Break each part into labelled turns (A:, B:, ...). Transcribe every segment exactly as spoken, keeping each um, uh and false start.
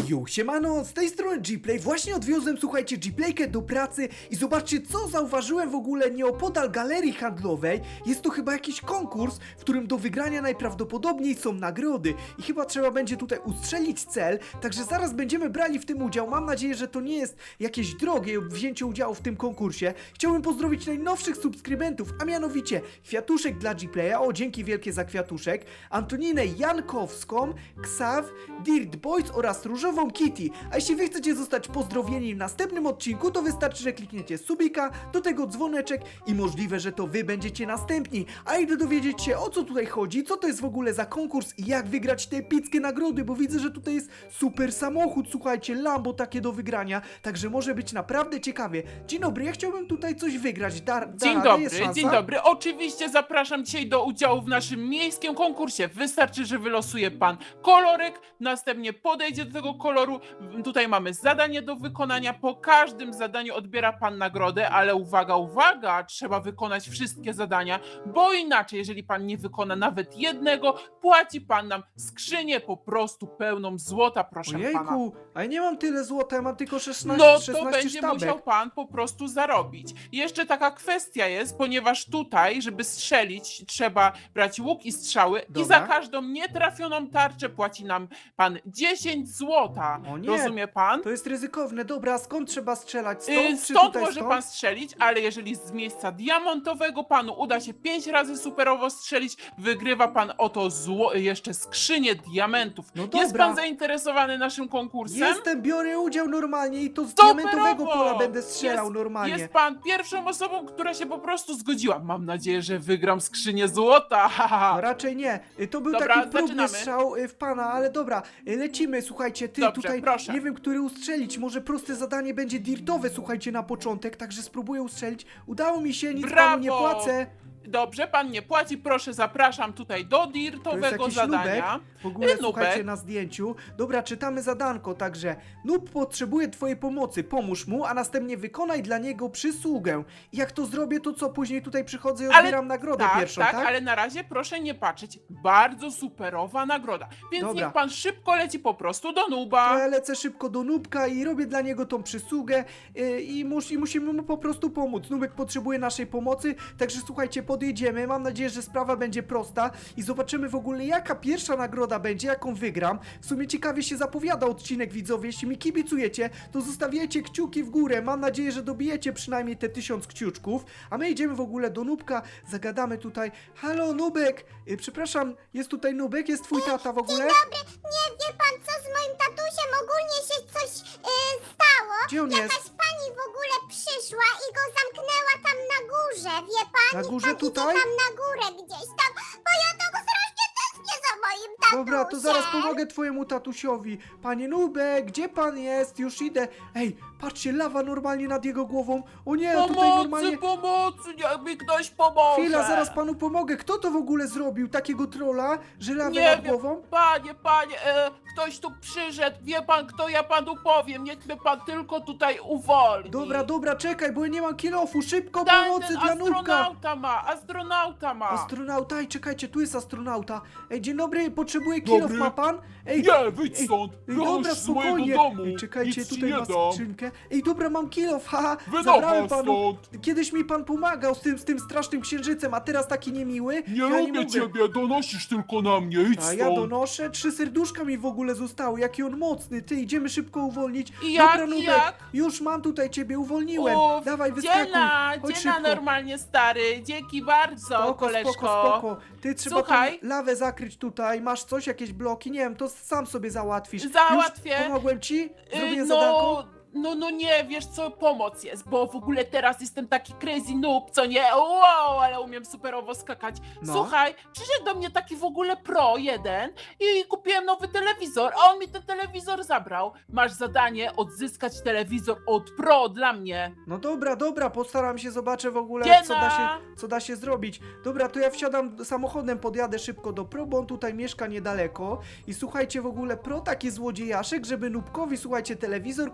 A: Yo, siemano, z tej strony Gplay. Właśnie odwiozłem, słuchajcie, Gplaykę do pracy i zobaczcie, co zauważyłem w ogóle nieopodal galerii handlowej. Jest to chyba jakiś konkurs, w którym do wygrania najprawdopodobniej są nagrody i chyba trzeba będzie tutaj ustrzelić cel, także zaraz będziemy brali w tym udział. Mam nadzieję, że to nie jest jakieś drogie wzięcie udziału w tym konkursie. Chciałbym pozdrowić najnowszych subskrybentów, a mianowicie Kwiatuszek dla Gplaya, o dzięki wielkie za Kwiatuszek, Antoninę Jankowską, Ksaw, Dirt Boys oraz Różową Kitty. A jeśli wy chcecie zostać pozdrowieni w następnym odcinku, to wystarczy, że klikniecie subika, do tego dzwoneczek i możliwe, że to wy będziecie następni. A idę dowiedzieć się, o co tutaj chodzi, co to jest w ogóle za konkurs i jak wygrać te epickie nagrody, bo widzę, że tutaj jest super samochód, słuchajcie, Lambo takie do wygrania, także może być naprawdę ciekawie. Dzień dobry, ja chciałbym tutaj coś wygrać. Da, da
B: Dzień
A: radę? Jest
B: dobry,
A: szansa?
B: dzień dobry. Oczywiście zapraszam dzisiaj do udziału w naszym miejskim konkursie. Wystarczy, że wylosuje pan kolorek, następnie podejdzie do tego koloru. Tutaj mamy zadanie do wykonania. Po każdym zadaniu odbiera pan nagrodę, ale uwaga, uwaga, trzeba wykonać wszystkie zadania, bo inaczej, jeżeli pan nie wykona nawet jednego, płaci pan nam skrzynię po prostu pełną złota, proszę pana.
A: Ojejku, a ja nie mam tyle złota, ja mam tylko szesnaście,
B: No to
A: szesnaście
B: będzie
A: sztabek.
B: musiał pan po prostu zarobić. Jeszcze taka kwestia jest, ponieważ tutaj, żeby strzelić, trzeba brać łuk i strzały
A: Dobra.
B: i za każdą nietrafioną tarczę płaci nam pan dziesięć złota.
A: O nie,
B: Rozumie pan?
A: To jest ryzykowne. Dobra, a skąd trzeba strzelać? Stąd
B: Yy,
A: czy
B: Stąd
A: tutaj
B: może
A: stąd?
B: pan strzelić, ale jeżeli z miejsca diamentowego panu uda się pięć razy superowo strzelić, wygrywa pan oto zło, jeszcze skrzynię diamentów.
A: No
B: Jest
A: dobra.
B: pan zainteresowany naszym konkursem?
A: Jestem, biorę udział normalnie i to z
B: Superowo!
A: diamentowego pola będę strzelał
B: jest,
A: normalnie.
B: Jest pan pierwszą osobą, która się po prostu zgodziła. Mam nadzieję, że wygram skrzynię złota.
A: No raczej nie. Y, To był
B: Dobra,
A: taki próbny
B: zaczynamy.
A: strzał y, w pana, ale dobra, y, lecimy, słuchajcie, ty
B: Dobrze,
A: tutaj
B: proszę.
A: nie wiem, który ustrzelić. Może proste zadanie będzie dirtowe, słuchajcie, na początek, także spróbuję ustrzelić. Udało mi się, nic
B: Brawo!
A: panu nie płacę.
B: Dobrze, pan nie płaci, proszę, zapraszam tutaj do
A: To jest
B: dirtowego
A: jakiś
B: zadania.
A: nubek, w ogóle
B: Y, nubek.
A: słuchajcie na zdjęciu. Dobra, czytamy zadanko, także Nub potrzebuje twojej pomocy, pomóż mu, a następnie wykonaj dla niego przysługę. I jak to zrobię, to co, później tutaj przychodzę i
B: Ale-
A: odbieram nagrodę
B: Tak,
A: pierwszą,
B: tak,
A: tak?
B: ale na razie proszę nie patrzeć. Bardzo superowa nagroda. Więc
A: Dobra.
B: niech pan szybko leci po prostu do
A: To
B: nuba.
A: ja lecę szybko do Nubka i robię dla niego tą przysługę yy, i, mus, i musimy mu po prostu pomóc. Nubek potrzebuje naszej pomocy, także słuchajcie, podjedziemy. Mam nadzieję, że sprawa będzie prosta i zobaczymy w ogóle, jaka pierwsza nagroda będzie, jaką wygram. W sumie ciekawie się zapowiada odcinek, widzowie. Jeśli mi kibicujecie, to zostawiajcie kciuki w górę. Mam nadzieję, że dobijecie przynajmniej te tysiąc kciuczków. A my idziemy w ogóle do Nubka, zagadamy tutaj. Halo, Nubek! Yy, przepraszam, jest tutaj Nubek? Jest twój tata w ogóle?
C: Dzień dobry, nie wie pan co z moim tatusiem, ogólnie się coś yy, stało.
A: Gdzie on
C: Jakaś
A: jest?
C: pani w ogóle przyszła i go zamknęła tam na górze, wie pan?
A: Na
C: Niech
A: górze
C: pan
A: tutaj?
C: idzie tam na górę gdzieś tam, bo ja tak strasznie tęsknię za moim tatusiem.
A: Dobra, to zaraz pomogę twojemu tatusiowi. Panie Nubek, gdzie pan jest? Już idę. Ej, patrzcie, lawa normalnie nad jego głową. O nie, tutaj
B: Pomocy,
A: normalnie...
B: pomocy, niech mi ktoś pomoże.
A: Chwila, zaraz panu pomogę. Kto to w ogóle zrobił? Takiego trolla? Że lawę
B: Nie
A: nad
B: wiem,
A: głową?
B: panie, panie, e, ktoś tu przyszedł, wie pan kto, ja panu powiem, niech mnie pan tylko tutaj uwolni.
A: Dobra, dobra, czekaj, bo ja nie mam kilofu. Szybko
B: Ten,
A: pomocy
B: ten
A: dla Nubka.
B: astronauta ma, astronauta ma.
A: Astronauta, ej, czekajcie, tu jest astronauta. Ej, dzień dobry, potrzebuję kilof,
D: Dobry.
A: ma pan? Ej,
D: Nie, wyjdź
A: ej,
D: stąd!
A: Ej,
D: Wychodź
A: dobra,
D: z mojego
A: spokojnie.
D: domu!
A: Ej, czekajcie,
D: Nic ci
A: tutaj
D: nie
A: ma
D: dam!
A: skrzynkę. Ej, dobra, mam kilof, haha.
D: Wynocha
A: Zabrałem panu.
D: stąd!
A: Kiedyś mi pan pomagał z tym, z tym strasznym księżycem, a teraz taki niemiły.
D: Nie
A: ja
D: lubię
A: mogę.
D: ciebie, donosisz tylko na mnie, idź
A: A ja
D: stąd!
A: donoszę, trzy serduszka mi w ogóle zostały, jaki on mocny, ty, idziemy szybko uwolnić.
B: I jak,
A: Dobra,
B: i
A: Nubek,
B: jak?
A: już mam tutaj ciebie, uwolniłem.
B: Uf,
A: Dawaj, wyskakuj,
B: dziena,
A: chodź
B: dziena
A: szybko.
B: normalnie stary, dzięki bardzo,
A: Spoko,
B: koleżko.
A: spoko, spoko. Ty trzeba
B: Słuchaj.
A: tą lawę zakryć tutaj, masz coś, jakieś bloki, nie wiem, to sam sobie załatwisz.
B: Załatwię.
A: Już pomogłem ci?
B: Y,
A: Zrobię
B: no,
A: zadanko?
B: no, no nie, wiesz co, pomoc jest, bo w ogóle teraz jestem taki crazy noob, co nie? Wow, ale umiem superowo skakać.
A: No.
B: Słuchaj, przyszedł do mnie taki w ogóle pro jeden i kupiłem nowy telewizor, a on mi ten telewizor zabrał. Masz zadanie odzyskać telewizor od pro dla mnie.
A: No dobra, dobra, postaram się, zobaczę w ogóle,
B: Dziena.
A: co da, się, co da się zrobić. Dobra, to ja wsiadam samochodem, podjadę szybko do Pro, bo on tutaj mieszka niedaleko. I słuchajcie, w ogóle Pro taki złodziejaszek, żeby Nubkowi, słuchajcie, telewizor kraść,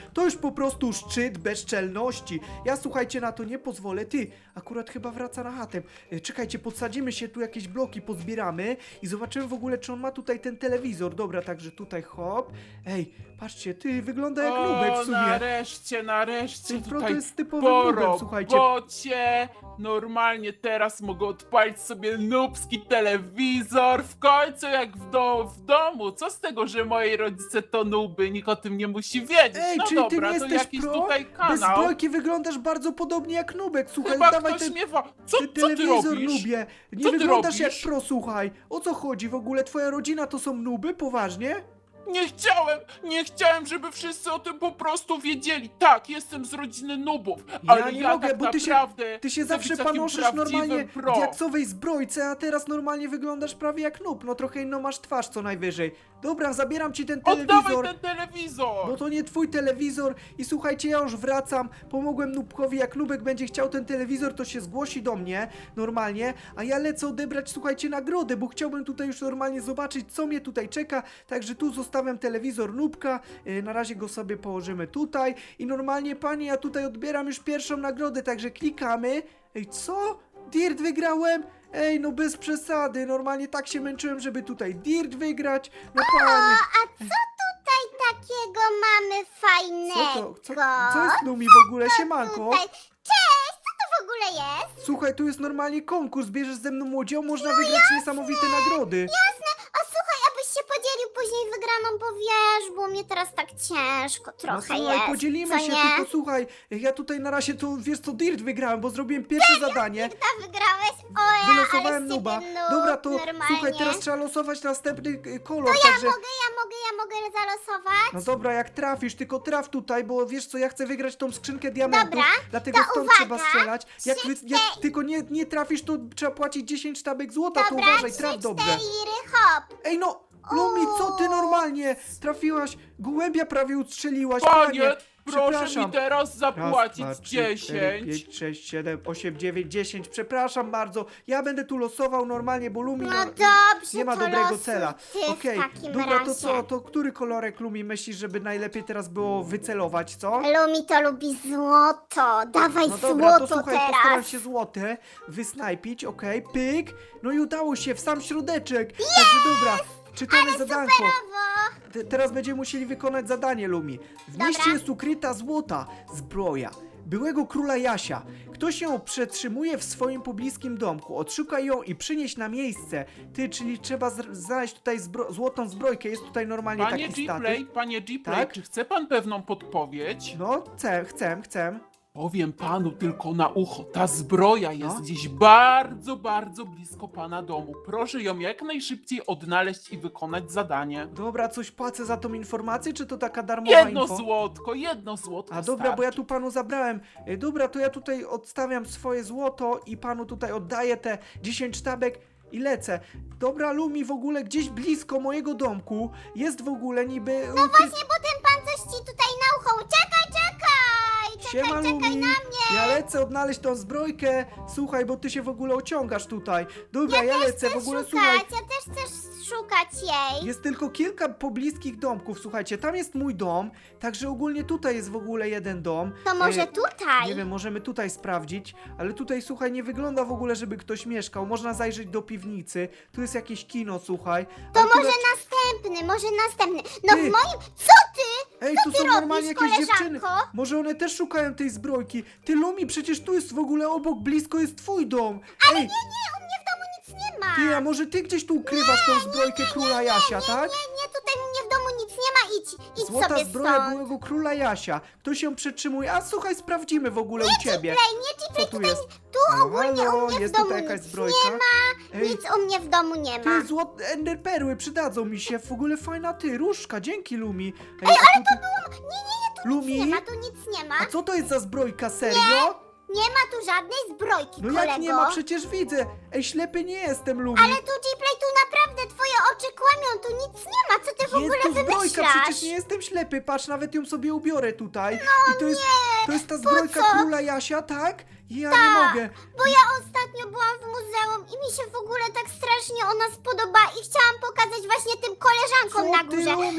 A: To już po prostu szczyt bezczelności. Ja, słuchajcie, na to nie pozwolę. Ty, akurat chyba wraca na chatę. E, Czekajcie, podsadzimy się tu, jakieś bloki pozbieramy i zobaczymy w ogóle, czy on ma tutaj ten telewizor. Dobra, także tutaj hop. Ej, patrzcie, ty, wygląda jak nubek w
B: O,
A: sumie.
B: nareszcie, nareszcie
A: Ten Pro to
B: tutaj
A: jest typowym
B: po
A: nubem, słuchajcie.
B: robocie. Normalnie teraz mogę odpalić sobie nubski telewizor. W końcu jak w, do, w domu. Co z tego, że moi rodzice to nuby? Nikt o tym nie musi wiedzieć.
A: Ej,
B: no
A: czyli
B: dobra,
A: ty nie
B: to
A: jesteś
B: jakiś
A: pro?
B: tutaj
A: Bez
B: kanał.
A: zbrojki wyglądasz bardzo podobnie jak nubek, słuchaj,
B: Chyba
A: dawaj
B: ktoś
A: ten...
B: mnie wa... Co,
A: Ty
B: co ty
A: telewizor
B: robisz?
A: nubie. Nie
B: Co ty
A: wyglądasz jak
B: robisz?
A: pro, słuchaj. O co chodzi w ogóle? Twoja rodzina to są nuby? Poważnie?
B: Nie chciałem, nie chciałem, żeby wszyscy o tym po prostu wiedzieli. Tak, jestem z rodziny nubów, ale ja,
A: nie mogę,
B: tak
A: bo ty się,
B: naprawdę
A: ty się
B: chcę
A: zawsze
B: być takim
A: panoszysz
B: prawdziwym
A: normalnie
B: pro.
A: w diaksowej zbrojce, a teraz normalnie wyglądasz prawie jak nub. No trochę inną masz twarz co najwyżej. Dobra, zabieram ci ten
B: Oddawaj
A: telewizor.
B: ten telewizor!
A: Bo to nie twój telewizor i słuchajcie, ja już wracam, pomogłem Nubkowi, jak Nubek będzie chciał ten telewizor, to się zgłosi do mnie, normalnie, a ja lecę odebrać, słuchajcie, nagrodę, bo chciałbym tutaj już normalnie zobaczyć, co mnie tutaj czeka, także tu zostawiam telewizor Nubka, yy, na razie go sobie położymy tutaj i normalnie, panie, ja tutaj odbieram już pierwszą nagrodę, także klikamy. Ej, co? Dirt wygrałem? Ej, no bez przesady, normalnie tak się męczyłem, żeby tutaj Dirt wygrać, no panie.
C: A co tutaj takiego mamy fajnego?
A: Co to? Co, co jest Lumi w ogóle? Siemanko.
C: Tutaj. Cześć, co to w ogóle jest?
A: Słuchaj, tu jest normalnie konkurs, bierzesz ze mną udział, można wygrać niesamowite nagrody.
C: Jasne, a słuchaj, abyś się podzielił później wygraną, bo wiesz, bo mnie teraz tak ciężko
A: No
C: trochę
A: słuchaj,
C: jest,
A: podzielimy
C: co
A: się,
C: nie?
A: tylko słuchaj, ja tutaj na razie to, wiesz co, Dirt wygrałem, bo zrobiłem pierwsze zadanie.
C: Ta wygrałeś? O ja,
A: Wylosowałem
C: ale z
A: nuba.
C: ciebie noob,
A: Dobra, to
C: normalnie.
A: słuchaj, teraz trzeba losować następny y, kolor,
C: Ja
A: także...
C: mogę, ja mogę, ja mogę zalosować?
A: No dobra, jak trafisz, tylko traf tutaj, bo wiesz co, ja chcę wygrać tą skrzynkę diamentów,
C: Dobra,
A: dlatego
C: to
A: stąd
C: uwaga,
A: trzeba strzelać. Jak, wy,
C: trzy,
A: jak tylko nie, nie trafisz, to trzeba płacić dziesięć sztabek złota, to
C: Dobra,
A: uważaj,
C: trzy,
A: traf dobrze.
C: cztery, hop.
A: Ej no, Lumi, co ty normalnie? Trafiłaś, gołębia prawie ustrzeliłaś,
B: Panie, proszę
A: przepraszam.
B: mi teraz
A: Raz,
B: zapłacić
A: dwa, trzy, cztery,
B: dziesięć.
A: pięć, sześć, siedem, osiem, dziewięć, dziesięć. Przepraszam bardzo. Ja będę tu losował normalnie, bo Lumi
C: No
A: no,
C: dobrze,
A: nie ma
C: to
A: dobrego
C: losuj
A: cela.
C: ty
A: Okej,
C: w takim
A: dobra,
C: razie.
A: to co? To który kolorek Lumi myślisz, żeby najlepiej teraz było wycelować, co?
C: Lumi to lubi złoto, dawaj
A: No dobra, to
C: złoto
A: słuchaj, postaram
C: teraz.
A: się złote wysnajpić, okej, pyk. No i udało się, w sam środeczek. Także dobra, czytamy zadanko.
C: Brawo.
A: Te- Teraz będziemy musieli wykonać zadanie, Lumi. W
C: Dobra.
A: mieście jest ukryta złota zbroja byłego króla Jasia. Ktoś ją przetrzymuje w swoim pobliskim domku. Odszukaj ją i przynieś na miejsce. Ty, czyli trzeba z- znaleźć tutaj zbro złotą zbrojkę. Jest tutaj normalnie
B: Panie
A: taki
B: Gplay,
A: statyw.
B: panie Gplay,
A: Tak?
B: czy chce pan pewną podpowiedź?
A: No, chcę, chcę, chcę.
B: Powiem panu tylko na ucho, ta zbroja jest
A: No.
B: gdzieś bardzo, bardzo blisko pana domu. Proszę ją jak najszybciej odnaleźć i wykonać zadanie.
A: Dobra, coś płacę za tą informację, czy to taka darmowa
B: Jedno
A: info?
B: złotko, jedno złotko
A: A dobra, bo ja
B: starczy.
A: tu panu zabrałem. E, Dobra, to ja tutaj odstawiam swoje złoto i panu tutaj oddaję te dziesięć sztabek i lecę. Dobra, Lumi, w ogóle gdzieś blisko mojego domku jest w ogóle niby... No
C: Właśnie, bo ten pan coś ci tutaj na ucho. Czekaj, czekaj. Czekaj,
A: Siema,
C: czekaj
A: Lumi.
C: na mnie.
A: Ja lecę odnaleźć tą zbrojkę. Słuchaj, bo ty się w ogóle ociągasz tutaj. Dobra, ja, lecę, w
C: Chcę
A: ogóle
C: szukać,
A: słuchaj.
C: ja też chcę szukać jej.
A: Jest tylko kilka pobliskich domków, słuchajcie, tam jest mój dom, także ogólnie tutaj jest w ogóle jeden dom.
C: To może
A: E,
C: tutaj?
A: Nie wiem, możemy tutaj sprawdzić, ale tutaj, słuchaj, nie wygląda w ogóle, żeby ktoś mieszkał. Można zajrzeć do piwnicy, tu jest jakieś kino, słuchaj.
C: To
A: Akurat-
C: może następny, może następny. No
A: Ty.
C: w moim... Co ty?
A: Ej, tu
C: ty
A: są
C: robisz,
A: normalnie jakieś
C: koleżanko?
A: dziewczyny. Może one też szukają tej zbrojki. Ty, Lumi, przecież tu jest w ogóle obok, blisko jest twój dom. Ej,
C: Nie, nie, u mnie w domu nic nie ma.
A: ty, a może ty gdzieś tu ukrywasz tą zbrojkę króla Jasia, tak?
C: Nie, nie, tutaj u mnie w domu nic nie ma. Idź, idź
A: Złota
C: sobie
A: zbroja
C: stąd.
A: byłego króla Jasia. Ktoś ją przetrzymuje. A słuchaj, sprawdzimy w ogóle u ciebie.
C: Play, nie
A: Co
C: Gplay,
A: tu
C: tutaj,
A: jest?
C: tu
A: Halo,
C: ogólnie
A: halo,
C: u mnie w
A: jest
C: domu
A: tutaj jakaś
C: nic
A: zbrojka?
C: nie ma.
A: Ej,
C: Nic u mnie w domu nie ma.
A: ty, złote enderperły przydadzą mi się. W ogóle fajna ty, różka, dzięki Lumi. Ej, ale to
C: Nie, nie, nie, tu
A: Lumi?
C: nic nie ma, tu nic nie ma.
A: A co to jest za zbrojka, serio?
C: Nie ma tu żadnej zbrojki,
A: No
C: kolego.
A: jak nie ma, przecież widzę. Ej, ślepy nie jestem, Lumi.
C: Ale tu Gplay, tu naprawdę twoje oczy kłamią, tu nic nie ma. Co ty w ogóle
A: Jest tu zbrojka,
C: wymyślasz?
A: przecież nie jestem ślepy. Patrz, nawet ją sobie ubiorę tutaj. I to jest, to jest ta zbrojka
C: co?
A: króla Jasia, tak? Ja nie mogę.
C: Bo ja ostatnio byłam w muzeum i mi się w ogóle tak strasznie ona spodoba i chciałam pokazać właśnie tym koleżankom
A: Co
C: na
A: ty,
C: górze.
A: Lumi?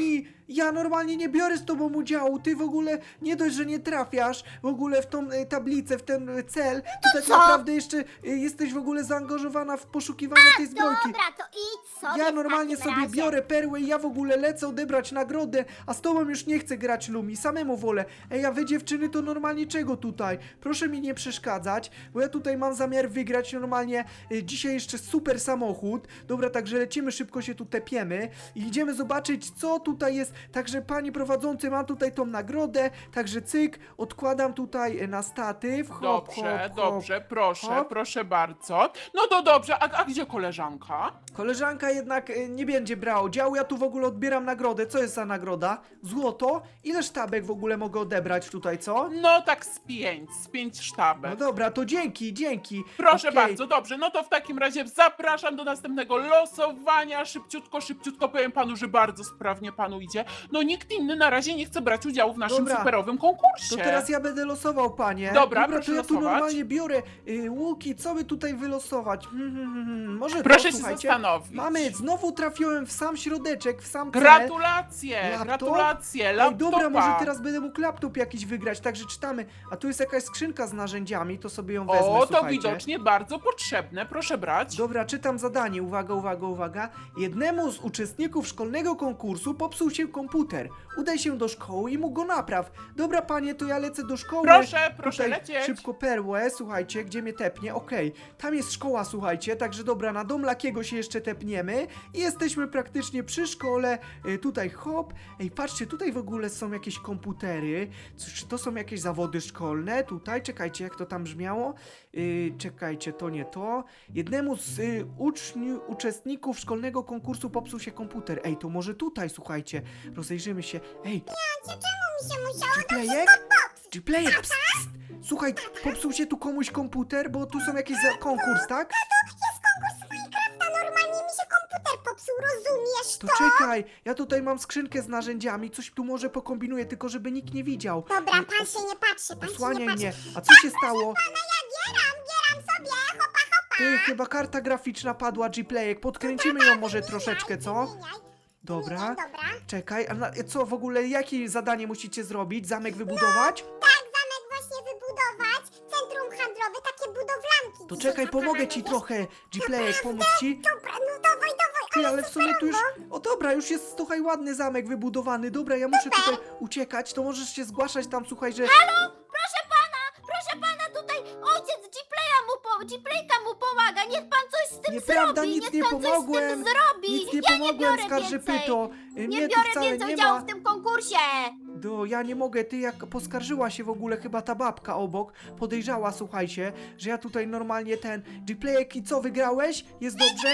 A: Ja normalnie nie biorę z tobą udziału, ty w ogóle nie dość, że nie trafiasz w ogóle w tą e, tablicę, w ten e, cel, to tak
C: co?
A: naprawdę jeszcze e, jesteś w ogóle zaangażowana w poszukiwanie tej zbrojki.
C: Dobra, to idź sobie
A: Ja
C: w
A: normalnie
C: takim
A: sobie
C: razie.
A: biorę perłę i ja w ogóle lecę odebrać nagrodę, a z tobą już nie chcę grać, Lumi, samemu wolę. Ej, a wy dziewczyny to normalnie czego tutaj? Proszę mi nie przeszkadzać, bo ja tutaj mam zamiar wygrać normalnie y, dzisiaj jeszcze super samochód. Dobra, także lecimy, szybko się tu tepiemy i idziemy zobaczyć, co tutaj jest. Także panie prowadzący, mam tutaj tą nagrodę, także cyk, odkładam tutaj y, na statyw. Hop,
B: Dobrze,
A: hop, hop.
B: dobrze, proszę,
A: Hop.
B: proszę bardzo. No to dobrze, a, a gdzie koleżanka?
A: Koleżanka jednak y, nie będzie brała udziału, ja tu w ogóle odbieram nagrodę. Co jest za nagroda? Złoto? Ile sztabek w ogóle mogę odebrać tutaj, co?
B: No tak z pięć, z pięć
A: No
B: sztabek.
A: dobra, to dzięki, dzięki.
B: Proszę
A: Okej.
B: bardzo, dobrze, no to w takim razie zapraszam do następnego losowania. Szybciutko, szybciutko powiem panu, że bardzo sprawnie panu idzie. No nikt inny na razie nie chce brać udziału w naszym
A: Dobra.
B: superowym konkursie.
A: To teraz ja będę losował, panie.
B: Dobra,
A: Dobra, to
B: proszę
A: ja tu
B: losować.
A: normalnie biorę y, łuki, co by tutaj wylosować? Hmm, hmm, hmm, hmm. Może
B: Proszę
A: to,
B: się
A: słuchajcie.
B: zastanowić.
A: Mamy, znowu trafiłem w sam środeczek, w sam cel.
B: Gratulacje,
A: Laptop?
B: gratulacje,
A: Ej,
B: laptopa.
A: dobra, może teraz będę mógł laptop jakiś wygrać, także czytamy. A tu jest jakaś skrzynka z narzędziami, to sobie ją wezmę,
B: O, to
A: słuchajcie.
B: widocznie bardzo potrzebne, proszę brać.
A: Dobra, czytam zadanie. Uwaga, uwaga, uwaga. Jednemu z uczestników szkolnego konkursu popsuł się komputer. Udaj się do szkoły i mu go napraw. Dobra, panie, to ja lecę do szkoły.
B: Proszę, proszę
A: Tutaj
B: lecieć.
A: Szybko perłę, słuchajcie, gdzie mnie tepnie. Okej, tam jest szkoła, słuchajcie, także dobra, na dom Lakiego się jeszcze tepniemy i jesteśmy praktycznie przy szkole. Y, tutaj hop. Ej, patrzcie, tutaj w ogóle są jakieś komputery. Co- Czy to są jakieś zawody szkolne? Tutaj, czekajcie, jak to tam brzmiało. Y, czekajcie, to nie to. Jednemu z y, uczniów, uczestników szkolnego konkursu popsuł się komputer. Ej, to może tutaj, słuchajcie, rozejrzymy się. Ej,
C: Czemu mi się musiało
A: Gplayek? Gplayek, pst, pst. Słuchaj, popsuł się tu komuś komputer, bo tu są jakieś za konkurs, tak?
C: jest konkurs Minecrafta, normalnie mi się komputer popsuł, rozumiesz
A: To
C: to?
A: czekaj, ja tutaj mam skrzynkę z narzędziami, coś tu może pokombinuję, tylko żeby nikt nie widział.
C: Dobra,
A: Y,
C: pan się nie patrzy, pan się nie
A: Osłaniaj
C: patrzy.
A: mnie. A co się stało?
C: Pana, ja gieram, gieram sobie, hopa, hopa.
A: Ty, chyba karta graficzna padła, Gplayek. Podkręcimy ją może troszeczkę, co?
C: Wymieniaj,
A: Dobra.
C: wymieniaj, dobra.
A: Czekaj, a na, co w ogóle, jakie zadanie musicie zrobić? Zamek wybudować?
C: Tak, zamek właśnie wybudować, centrum handlowe, takie budowlanki.
A: To
C: dzisiaj
A: czekaj, pomogę
C: pokażę,
A: ci
C: wiesz?
A: trochę, Gplayek, pomóc ci?
C: Dobra, no dawaj, dawaj,
A: Ty,
C: ale,
A: ale w sumie tu już... O dobra, już jest, słuchaj, ładny zamek wybudowany. Dobra, ja muszę tutaj uciekać, to możesz się zgłaszać tam, słuchaj, że...
C: Proszę pana, proszę pana, tutaj ojciec Gplaya mu, po, Gplayka mu pomaga, niech pan coś z tym
A: Nieprawda,
C: zrobi,
A: nic
C: niech
A: nie
C: pan
A: pomogłem.
C: coś z tym zrobi.
A: Nic nie
C: ja nie
A: pomogłem,
C: biorę
A: skarżypyto.
C: więcej.
A: Y,
C: Nie
A: Mnie tu
C: biorę
A: wcale
C: więcej
A: nie
C: udziału
A: ma.
C: w tym konkursie.
A: Do, ja nie mogę, ty jak poskarżyła się w ogóle chyba ta babka obok, podejrzała, słuchajcie, że ja tutaj normalnie ten... Gplayek, i co, wygrałeś? Jest dobrze?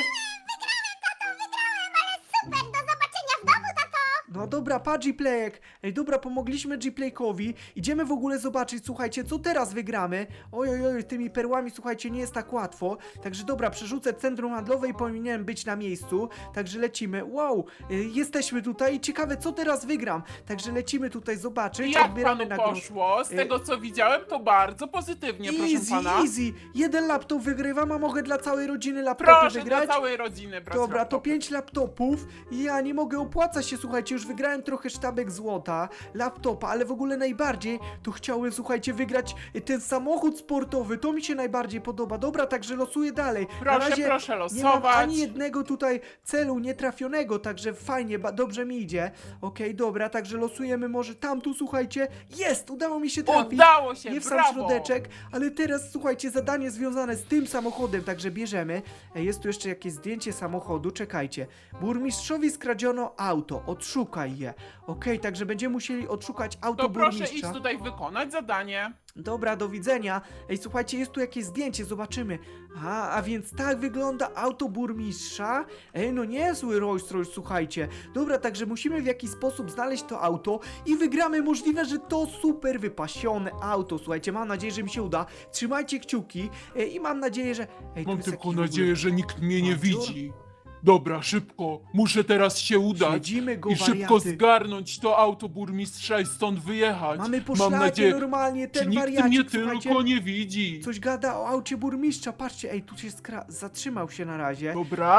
C: Super, do zobaczenia w domu, tato.
A: No dobra, pa Gplayek. Ej, dobra, pomogliśmy Gplaykowi. Idziemy w ogóle zobaczyć, słuchajcie, co teraz wygramy. Oj, oj, oj, tymi perłami, słuchajcie, nie jest tak łatwo. Także dobra, przerzucę centrum handlowe i powinienem być na miejscu. Także lecimy. Wow, y, jesteśmy tutaj i ciekawe, co teraz wygram. Także lecimy tutaj zobaczyć,
B: Jak
A: odbieramy
B: panu
A: nagrodę.
B: poszło? Z
A: Y-
B: tego co widziałem, to bardzo pozytywnie, proszę
A: Easy,
B: pana.
A: easy. Jeden laptop wygrywam, a mogę dla całej rodziny laptopy
B: Proszę
A: wygrać?
B: dla całej rodziny brać
A: Dobra, to
B: laptopy.
A: pięć laptopów. Ja nie mogę, opłaca się, słuchajcie, już wygrałem trochę sztabek złota, laptopa, ale w ogóle najbardziej to chciałem, słuchajcie, wygrać ten samochód sportowy. To mi się najbardziej podoba. Dobra, także losuję dalej. Na
B: Proszę,
A: razie
B: proszę
A: nie mam
B: losować.
A: ani jednego tutaj celu nietrafionego, także fajnie, ba- dobrze mi idzie. Okej, dobra, także losujemy może tam, tu, słuchajcie. Jest! Udało mi się trafić.
B: Udało się,
A: Nie w sam
B: brawo.
A: środeczek, ale teraz słuchajcie, zadanie związane z tym samochodem, także bierzemy. E, Jest tu jeszcze jakieś zdjęcie samochodu, czekajcie. Burmistrzowi skradziono auto, odszukaj je. Okej, także będziemy musieli odszukać auto
B: To proszę
A: burmistrza.
B: iść tutaj wykonać zadanie.
A: Dobra, do widzenia. Ej, słuchajcie, jest tu jakieś zdjęcie, zobaczymy. A, a więc tak wygląda auto burmistrza. Ej, no niezły Rolls Royce, słuchajcie. Dobra, także musimy w jakiś sposób znaleźć to auto i wygramy. Możliwe, że to super wypasione auto. Słuchajcie, mam nadzieję, że mi się uda. Trzymajcie kciuki e, i mam nadzieję, że... Ej, tu
D: Mam
A: jest
D: tylko
A: jakiś w ogóle-
D: nadzieję, że nikt mnie nie
A: Bandzior?
D: widzi. Dobra, szybko. Muszę teraz się udać
A: Śledzimy go,
D: i szybko
A: wariaty.
D: zgarnąć to auto burmistrza i stąd wyjechać.
A: Mamy
D: Mam
A: poszlakie
D: nadzieję,
A: normalnie,
D: czy
A: ten
D: nikt
A: wariacik,
D: mnie
A: słuchajcie,
D: tylko nie widzi.
A: coś gada o aucie burmistrza. Patrzcie, ej, tu się skra... zatrzymał się na razie.
D: Dobra,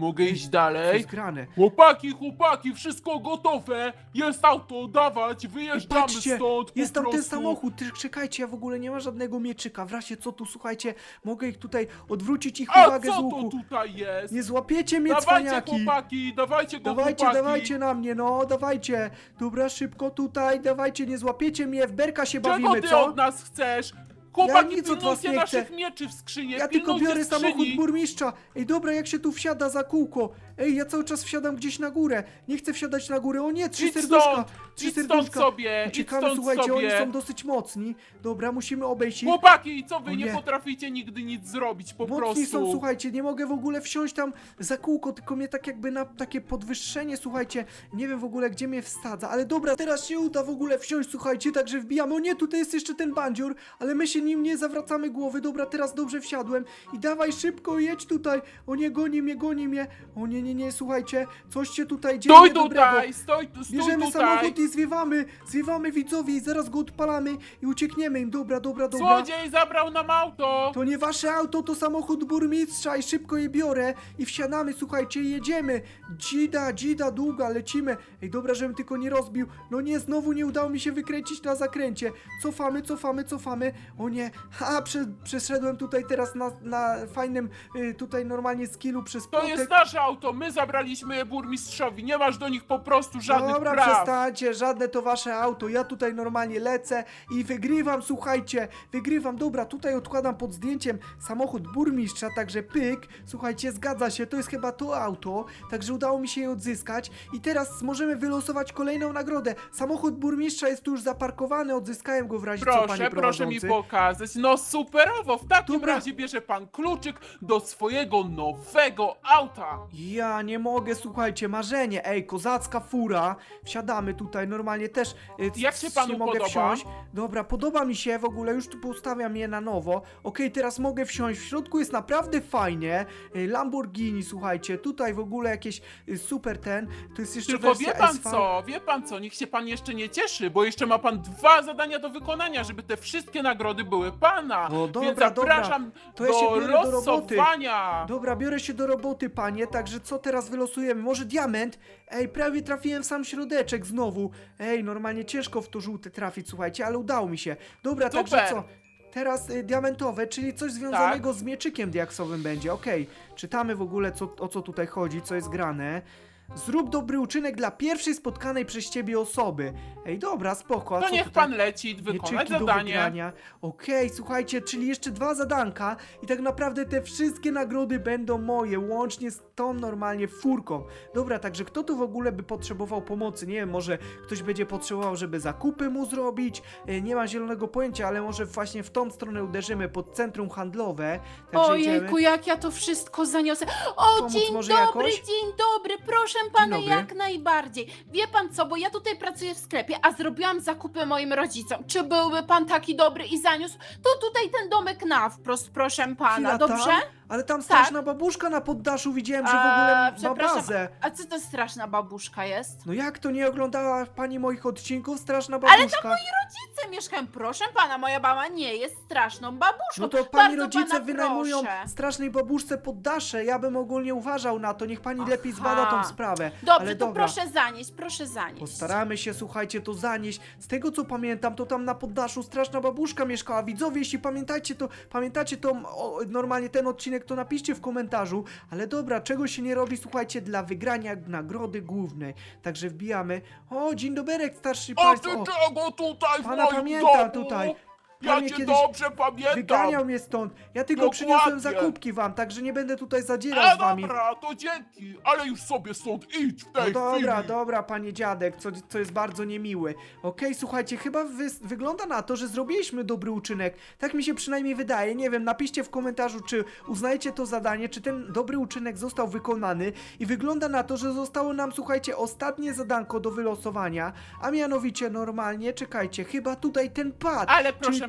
B: Mogę iść
A: Co
B: dalej?
A: jest grane?
D: Chłopaki, chłopaki, wszystko gotowe! Jest auto, dawać, wyjeżdżamy
A: Patrzcie,
D: stąd po
A: jest tam ten
D: prostu.
A: samochód, Ty- czekajcie, ja w ogóle nie ma żadnego mieczyka, w razie co tu, słuchajcie, mogę ich tutaj odwrócić ich
D: A
A: uwagę z
D: co to
A: łuku.
D: tutaj jest?
A: Nie złapiecie mnie,
D: Dawajcie
A: cwaniaki!
D: chłopaki, dawajcie go
A: Dawajcie,
D: chłopaki!
A: dawajcie na mnie, no, dawajcie! Dobra, szybko tutaj, dawajcie, nie złapiecie mnie, w berka się
B: Czego
A: bawimy,
B: ty
A: co?
B: od nas chcesz? Chłopaki,
A: nic od was
B: pilnujcie
A: nie
B: naszych
A: chcę.
B: mieczy w skrzyni,
A: Ja tylko
B: pilnujcie
A: biorę
B: skrzyni.
A: samochód burmistrza. Ej, dobra, jak się tu wsiada za kółko? Ej, ja cały czas wsiadam gdzieś na górę. Nie chcę wsiadać na górę. O nie, trzy
B: Idź
A: serduszka.
B: stąd,
A: Trzy
B: idź stąd
A: serduszka.
B: sobie, idź
A: Ciekawe,
B: stąd
A: słuchajcie,
B: sobie.
A: oni są dosyć mocni. Dobra, musimy obejść ich.
B: Chłopaki, co wy
A: O
B: nie.
A: nie.
B: potraficie nigdy nic zrobić po
A: Mocni
B: prostu?
A: są, słuchajcie, nie mogę w ogóle wsiąść tam za kółko, tylko mnie tak jakby na takie podwyższenie, słuchajcie, nie wiem w ogóle gdzie mnie wsadza, ale dobra, teraz się uda w ogóle wsiąść, słuchajcie, także wbijamy, o nie, tutaj jest jeszcze ten bandzior, ale my się nim nie zawracamy głowy, dobra, teraz dobrze wsiadłem i dawaj szybko, jedź tutaj, o nie, goni mnie, goni mnie, o nie, nie, nie, słuchajcie, coś się tutaj dzieje
B: Stój
A: niedobrego.
B: tutaj, stój, tu- stój
A: Bierzemy
B: tutaj.
A: samochód i zwiewamy, zwiewamy widzowie i zaraz go odpalamy i uciekniemy im, dobra, dobra, dobra.
B: Złodziej zabrał nam auto.
A: To nie wasze auto, to samochód burmistrza i szybko je biorę i wsiadamy, słuchajcie, i jedziemy. Dzida, dzida, długa, lecimy. Ej, dobra, żebym tylko nie rozbił. No nie, znowu nie udało mi się wykręcić na zakręcie. Cofamy, cofamy, cofamy. O nie, ha, prze, przeszedłem tutaj teraz na, na fajnym, y, tutaj normalnie skillu przez
B: To
A: płotek.
B: jest nasze auto, my zabraliśmy je burmistrzowi, nie masz do nich po prostu żadnych
A: Dobra,
B: praw.
A: przestańcie, żadne to wasze auto. Ja tutaj normalnie lecę i wygrywam, słuchajcie, wygrywam. Dobra, tutaj odkładam pod zdjęciem samochód burmistrza, także pyk. Słuchajcie, zgadza się, to jest chyba to auto, także udało mi się je odzyskać. I teraz możemy wylosować kolejną nagrodę. Samochód burmistrza jest tu już zaparkowany, odzyskałem go w razie co, panie
B: Proszę, proszę mi
A: prowadzący.
B: pokazać. No superowo, w takim
A: Dobra.
B: razie bierze pan kluczyk do swojego nowego auta.
A: Ja nie mogę, słuchajcie, marzenie, ej, kozacka fura, wsiadamy tutaj, normalnie też y,
B: Jak się panu
A: mogę
B: podoba?
A: wsiąść. Dobra, podoba mi się, w ogóle już tu postawiam je na nowo, okej, teraz mogę wsiąść, w środku jest naprawdę fajnie, y, Lamborghini, słuchajcie, tutaj w ogóle jakieś y, super ten, to jest jeszcze
B: Tylko
A: wersja
B: wie pan
A: S V.
B: co, wie pan co, niech się pan jeszcze nie cieszy, bo jeszcze ma pan dwa zadania do wykonania, żeby te wszystkie nagrody były pana.
A: O, dobra,
B: Więc
A: dobra.
B: zapraszam
A: To ja się
B: do
A: biorę do roboty.
B: losowania.
A: Dobra, biorę się do roboty, panie, także co teraz wylosujemy? Może diament? Ej, prawie trafiłem w sam środeczek znowu. Ej, normalnie ciężko w to żółte trafić, słuchajcie, ale udało mi się. Dobra, także
B: Super.
A: co? Teraz y, diamentowe, czyli coś związanego z mieczykiem diaksowym będzie, okej. Czytamy w ogóle, co, o co tutaj chodzi, co jest grane. Zrób dobry uczynek dla pierwszej spotkanej przez ciebie osoby. Ej, dobra, spoko. a
B: To
A: co
B: niech
A: tutaj?
B: pan leci wykonać
A: Mieczyki do
B: zadanie.
A: wygrania. Okej, słuchajcie, czyli jeszcze dwa zadanka i tak naprawdę te wszystkie nagrody będą moje, łącznie z tą normalnie furką. Dobra, także kto tu w ogóle by potrzebował pomocy? Nie wiem, może ktoś będzie potrzebował, żeby zakupy mu zrobić? E, Nie mam zielonego pojęcia, ale może właśnie w tą stronę uderzymy pod centrum handlowe. Także
C: Ojejku,
A: idziemy.
C: jak ja to wszystko zaniosę. O,
A: Pomóc
C: dzień
A: może
C: dobry,
A: jakoś?
C: dzień dobry, proszę pana,
A: dobry.
C: jak najbardziej. Wie pan co, bo ja tutaj pracuję w sklepie, a zrobiłam zakupy moim rodzicom. Czy byłby pan taki dobry i zaniósł? To tutaj ten domek na wprost, proszę pana,
A: Chwila,
C: dobrze?
A: tam? Ale tam straszna babuszka na poddaszu, widziałem, że w ogóle
C: A,
A: ma
C: przepraszam,
A: bazę.
C: a co to straszna babuszka jest?
A: No jak to nie oglądała pani moich odcinków? Straszna babuszka.
C: Rodzice mieszkają, proszę pana, moja mama nie jest straszną babuszką.
A: No to pani
C: Bardzo
A: rodzice
C: pana
A: wynajmują
C: proszę.
A: strasznej babuszce poddasze. Ja bym ogólnie uważał na to. Niech pani lepiej
C: Aha.
A: zbada tą sprawę.
C: Dobrze,
A: Ale
C: to
A: dobra.
C: proszę zanieść, proszę zanieść.
A: Postaramy się, słuchajcie, to zanieść. Z tego co pamiętam, to tam na poddaszu straszna babuszka mieszkała. Widzowie, jeśli pamiętacie to, pamiętacie to o, normalnie ten odcinek, to napiszcie w komentarzu. Ale dobra, czego się nie robi, słuchajcie, dla wygrania nagrody głównej. Także wbijamy. O, dzień doberek, starszy
D: A
A: państwo.
D: ty
A: O,
D: czego tutaj w
A: pana
D: moim
A: pamiętam
D: domu?
A: tutaj. Pan
D: Ja
A: mnie
D: cię
A: kiedyś
D: dobrze pamiętam.
A: wyganiał mnie stąd. Ja tylko
D: Dokładnie.
A: przyniosłem zakupki wam, także nie będę tutaj zadzierał
D: A
A: z wami.
D: dobra, to dzięki, ale już sobie stąd idź w tej
A: No dobra,
D: chwili.
A: dobra, panie dziadek, co, co jest bardzo niemiły. Okej, słuchajcie, chyba wy, wygląda na to, że zrobiliśmy dobry uczynek. Tak mi się przynajmniej wydaje. Nie wiem, napiszcie w komentarzu, czy uznajecie to zadanie, czy ten dobry uczynek został wykonany. I wygląda na to, że zostało nam, słuchajcie, ostatnie zadanko do wylosowania, a mianowicie normalnie, czekajcie, chyba tutaj ten pad.
B: Ale
A: Czyli
B: proszę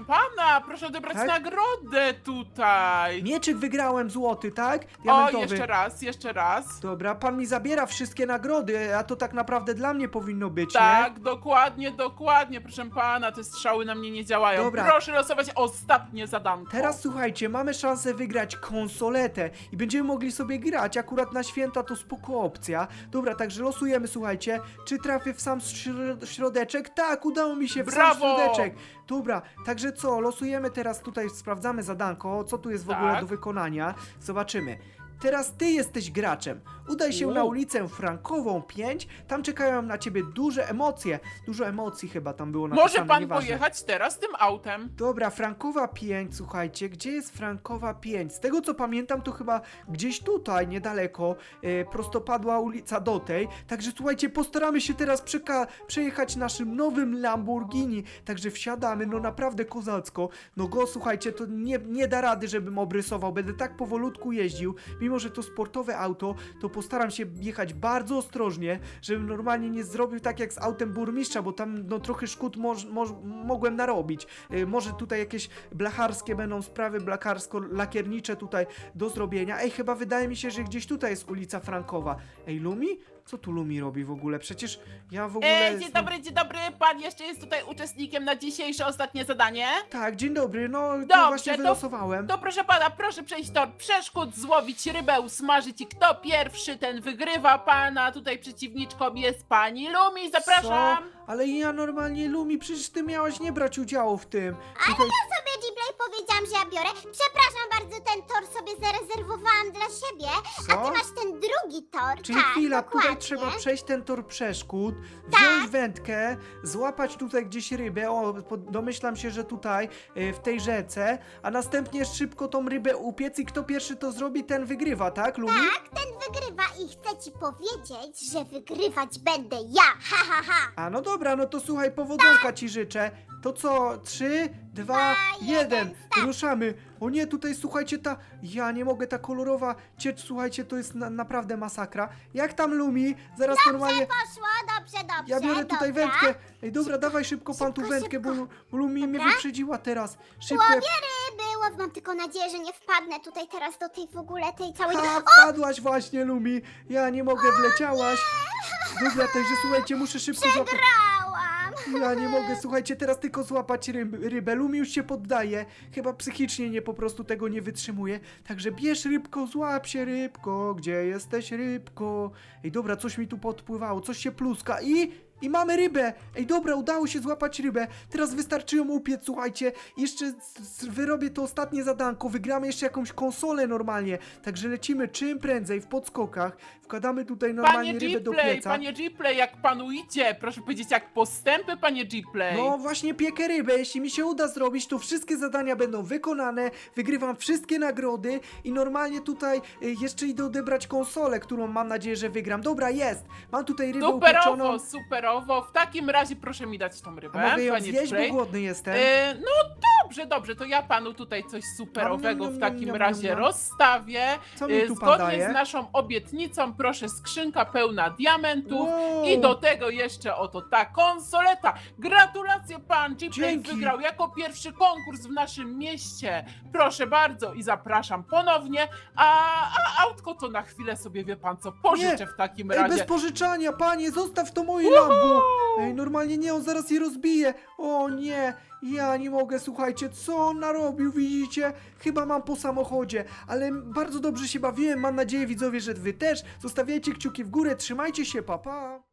B: pana, proszę odebrać
A: Tak?
B: nagrodę tutaj.
A: Mieczyk wygrałem złoty, tak?
B: O,
A: Diamentowy.
B: jeszcze raz, jeszcze raz.
A: Dobra, pan mi zabiera wszystkie nagrody, a to tak naprawdę dla mnie powinno być, nie?
B: Tak, dokładnie, dokładnie, proszę pana, te strzały na mnie nie działają.
A: Dobra.
B: Proszę losować ostatnie zadanko.
A: Teraz słuchajcie, mamy szansę wygrać konsoletę i będziemy mogli sobie grać. Akurat na święta to spoko opcja. Dobra, także losujemy, słuchajcie. Czy trafię w sam śro- środeczek? Tak, udało mi się w
B: Brawo!
A: sam środeczek. Dobra, także co, losujemy teraz tutaj, sprawdzamy zadanko, co tu jest w ogóle
B: Tak.
A: do wykonania. Zobaczymy. Teraz ty jesteś graczem. Udaj się
B: U.
A: na ulicę Frankową pięć. Tam czekają na ciebie duże emocje. Dużo emocji chyba tam było napisane.
B: Może pan
A: nieważne.
B: pojechać teraz tym autem.
A: Dobra, Frankowa pięć, słuchajcie, gdzie jest Frankowa pięć? Z tego co pamiętam, to chyba gdzieś tutaj, niedaleko, e, prostopadła ulica do tej. Także słuchajcie, postaramy się teraz przeka- przejechać naszym nowym Lamborghini. Także wsiadamy, no naprawdę kozacko. No go, słuchajcie, to nie, nie da rady, żebym obrysował. Będę tak powolutku jeździł. Mimo, że to sportowe auto, to postaram się jechać bardzo ostrożnie, żebym normalnie nie zrobił tak jak z autem burmistrza, bo tam no trochę szkód moż, moż, mogłem narobić. Y, może tutaj jakieś blacharskie będą sprawy, blacharsko-lakiernicze tutaj do zrobienia. Ej, chyba wydaje mi się, że gdzieś tutaj jest ulica Frankowa. Ej, Lumi? Co tu Lumi robi w ogóle? Przecież ja w ogóle...
B: E, dzień dobry, dzień dobry, pan jeszcze jest tutaj uczestnikiem na dzisiejsze ostatnie zadanie.
A: Tak, dzień dobry, no to
B: Dobrze,
A: właśnie
B: to-
A: wylosowałem.
B: To proszę pana, proszę przejść tor przeszkód, złowić rybę, usmażyć i kto pierwszy, ten wygrywa. Pana tutaj przeciwniczką jest pani Lumi, zapraszam.
A: Co? Ale ja normalnie, Lumi, przecież ty miałaś nie brać udziału w tym. Tutaj...
E: sobie Gplay powiedziałam, że ja biorę. Przepraszam bardzo, ten tor sobie zarezerwowałam dla siebie. A
A: Co?
E: ty masz ten drugi tor.
A: Czyli
E: tak,
A: chwila,
E: dokładnie.
A: tutaj trzeba przejść ten tor przeszkód, wziąć
E: Tak.
A: wędkę, złapać tutaj gdzieś rybę, o, po- domyślam się, że tutaj, e, w tej rzece, a następnie szybko tą rybę upiec i kto pierwszy to zrobi, ten wygrywa, tak, Lumi?
E: Tak, ten wygrywa i chcę ci powiedzieć, że wygrywać będę ja. Ha, ha, ha.
A: A no dobra, no to słuchaj, powodzonka ci życzę. To co? Trzy, dwa, jeden.
E: start.
A: Ruszamy. O nie, tutaj słuchajcie, ta... Ja nie mogę, ta kolorowa ciecz, słuchajcie, to jest na, naprawdę masakra. Jak tam, Lumi? Zaraz normalnie...
E: Poszło, dobrze, dobrze.
A: Ja biorę tutaj
E: dobra.
A: wędkę. Ej, dobra, dawaj szybko pan tu
E: szybko,
A: wędkę, bo,
E: szybko.
A: bo Lumi mnie
E: Dobra.
A: wyprzedziła teraz. Szybko.
E: Łowię ryby, łow, mam tylko nadzieję, że nie wpadnę tutaj teraz do tej w ogóle, tej całej...
A: Ha, wpadłaś właśnie, Lumi. Ja nie mogę, wleciałaś. Dobra, także słuchajcie, muszę szybko złapać.
E: Przegrałam.
A: Ja nie mogę, słuchajcie, teraz tylko złapać ryb, rybę. Lumi już się poddaje. Chyba psychicznie nie po prostu tego nie wytrzymuje. Także bierz rybko, złap się rybko. Gdzie jesteś, rybko? Ej, dobra, coś mi tu podpływało, coś się pluska i... I mamy rybę! Ej, dobra, udało się złapać rybę. Teraz wystarczy ją upiec, słuchajcie. Jeszcze z- z- wyrobię to ostatnie zadanko. Wygramy jeszcze jakąś konsolę normalnie. Także lecimy czym prędzej w podskokach. Wkładamy tutaj normalnie
B: Panie
A: rybę do
B: Gplay,
A: pieca.
B: panie Gplay, jak panu idzie? Proszę powiedzieć, jak postępy, panie Gplay.
A: No właśnie piekę rybę, jeśli mi się uda zrobić, to wszystkie zadania będą wykonane, wygrywam wszystkie nagrody i normalnie tutaj y, jeszcze idę odebrać konsolę, którą mam nadzieję, że wygram. Dobra, jest! Mam tutaj rybę upieczoną.
B: Superowo, superowo. W takim razie proszę mi dać tą rybę,
A: A mogę ją
B: panie
A: zjeść, bo
B: Gplay.
A: głodny jestem.
B: E, no dobrze, dobrze, to ja panu tutaj coś superowego
A: Niam,
B: w
A: niam,
B: takim
A: niam,
B: razie
A: niam.
B: rozstawię.
A: Co mi
B: E,
A: tu pan
B: Zgodnie
A: daje?
B: z naszą obietnicą, proszę, skrzynka pełna diamentów.
A: Wow.
B: I do tego jeszcze oto ta konsoleta. Gratulacje, pan Gplay
A: Dzięki.
B: wygrał jako pierwszy konkurs w naszym mieście. Proszę bardzo i zapraszam ponownie. A, a autko to na chwilę sobie, wie pan co, pożyczę w takim
A: Ej,
B: razie.
A: bez pożyczania, panie, zostaw to moje Lambo! Ej, normalnie nie, on zaraz je rozbije. O nie, ja nie mogę, słuchajcie, co on narobił, widzicie? Chyba mam po samochodzie, ale bardzo dobrze się bawiłem, mam nadzieję, widzowie, że wy też. Zostawiajcie kciuki w górę, trzymajcie się, pa pa!